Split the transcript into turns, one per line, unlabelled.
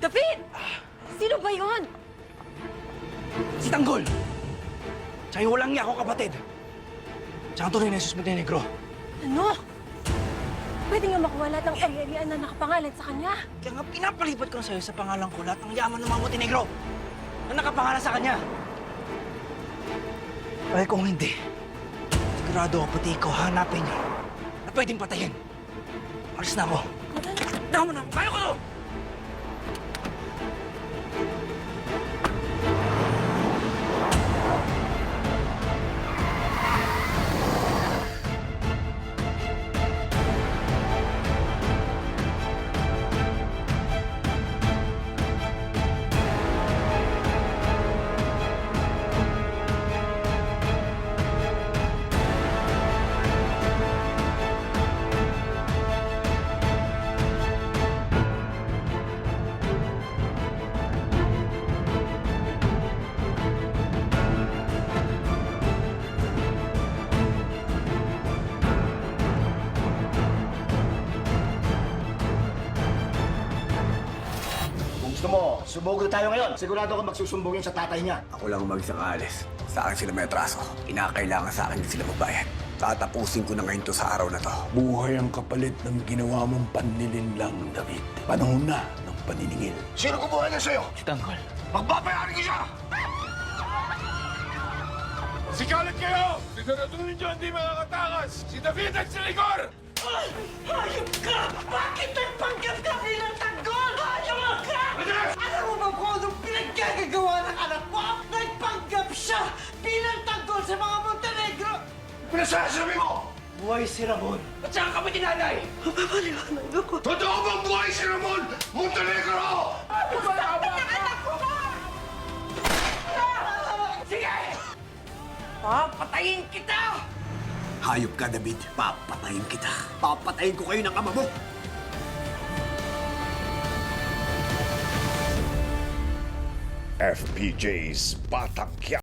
David! Sino ba yun?
Si Tanggol! Tsaka yung walang niya ako kapatid. Tsaka ang tunay na Jesus Montenegro.
Ano? Pwede nga makuha lahat ng ari-arian na nakapangalan sa kanya.
Kaya nga pinapalipat ko na sa'yo sa pangalan ko lahat ng yaman ng mga Montenegro na nakapangalan sa kanya. Ay kung hindi, sigurado ako pati ikaw hanapin niyo na pwedeng patayin. Alis na ako. Tama na! Kaya ko to!
Gusto mo, sumugod tayo ngayon. Sigurado ka magsusumbungin sa tatay niya.
Ako lang ang mag-isang aalis. Sa akin sila may atraso. Kinakailangan sa akin din sila magbayad. Tatapusin ko na ngayon to sa araw na to.
Buhay ang kapalit ng ginawa mong panlilinlang, David. Panahon na ng paniningil.
Sino kumuha niya sa'yo?
Si Tanggol.
Magbabayaran ko siya!
Sikalat kayo! Siguraduhin niyo hindi makakatakas! Si David at si Rigor!
Hayop ka! Bakit nagpanggap ka bilang tanggol? Hayop ka! Alam mo ba kung anong pinaggagawa ng anak mo? Nagpanggap siya bilang tanggol sa mga Montenegro!
Pinasasabi mo!
Buhay si Ramon. At saka kami tinanay.
Mapapaliwanag ako.
Totoo bang buhay si Ramon Montenegro?
Sige! Papatayin kita!
Hayop ka, David. Papatayin kita. Papatayin ko kayo ng ama mo.
FPJ's Batak